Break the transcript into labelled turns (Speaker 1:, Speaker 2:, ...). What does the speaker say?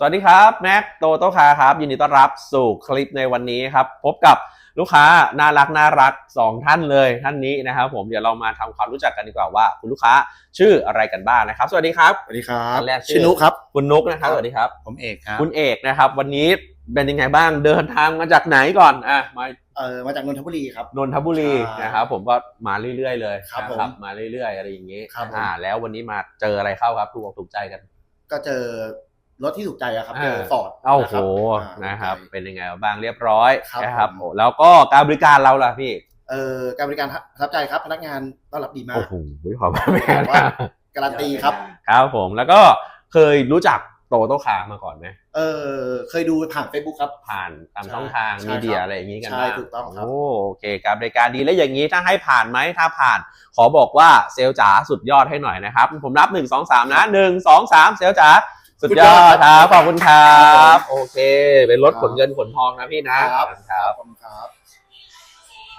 Speaker 1: สวัสดีครับแม็กโตโต้คาร์ครับยินดีต้อนรับสู่คลิปในวันนี้ครับพบกับลูกค้าน่ารัก2ท่านเลยท่านนี้นะครับผมเดี๋ยวเรามาทำความรู้จักกันดีกว่าว่าคุณลูกค้าชื่ออะไรกันบ้างนะครับสวัสดีครับ
Speaker 2: สวัสดีครับ
Speaker 1: ท่านแรก
Speaker 2: ชื่อนุครับ
Speaker 1: คุณนุกนะครับสวัสดีครับ
Speaker 2: ผมเอกครับ
Speaker 1: คุณเอกนะครับวันนี้เป็นยังไงบ้างเดินทางมาจากไหนก่อน
Speaker 2: มาจากนนทบุรีครับ
Speaker 1: นนทบุรีนะครับผมก็มาเรื่อยๆเลย
Speaker 2: ครับ
Speaker 1: นะครับมาเรื่อยๆอะไรอย่างงี้
Speaker 2: ครับ
Speaker 1: แล้ววันนี้มาเจออะไรเข้าครับถูกใจกัน
Speaker 2: ก็เจอรถที่ถูกใจครับเจอฟอร์ด
Speaker 1: โอ้โหนะครับเป็นยังไงบ้างเรียบร้อยนะครับแล้วก็การบริการเราล่ะพี่
Speaker 2: การบริการประทับใจครับพนักงานต้อนรับดีมาก
Speaker 1: โอ้โหขอบคุณแม่
Speaker 2: การันตีครับ
Speaker 1: ครับผมแล้วก็เคยรู้จักโตโต้คาร์มาก่อนไหม
Speaker 2: เคยดูผ่าน Facebook ครับ
Speaker 1: ผ่านตามช่องทางมีเดียอะไรอย่างนี้กันบ้าง
Speaker 2: ใช่ถูกต้องครับ
Speaker 1: โอเคการบริการดีแล้วอย่างนี้ถ้าให้ผ่านไหมถ้าผ่านขอบอกว่าเซลจ๋าสุดยอดให้หน่อยนะครับผมนับ1 2 3นะ1 2 3เซลจ๋าสุดยอดครับขอบคุณครับโอเคเป็นรถขนเงินขนทองนะพี่นะครับ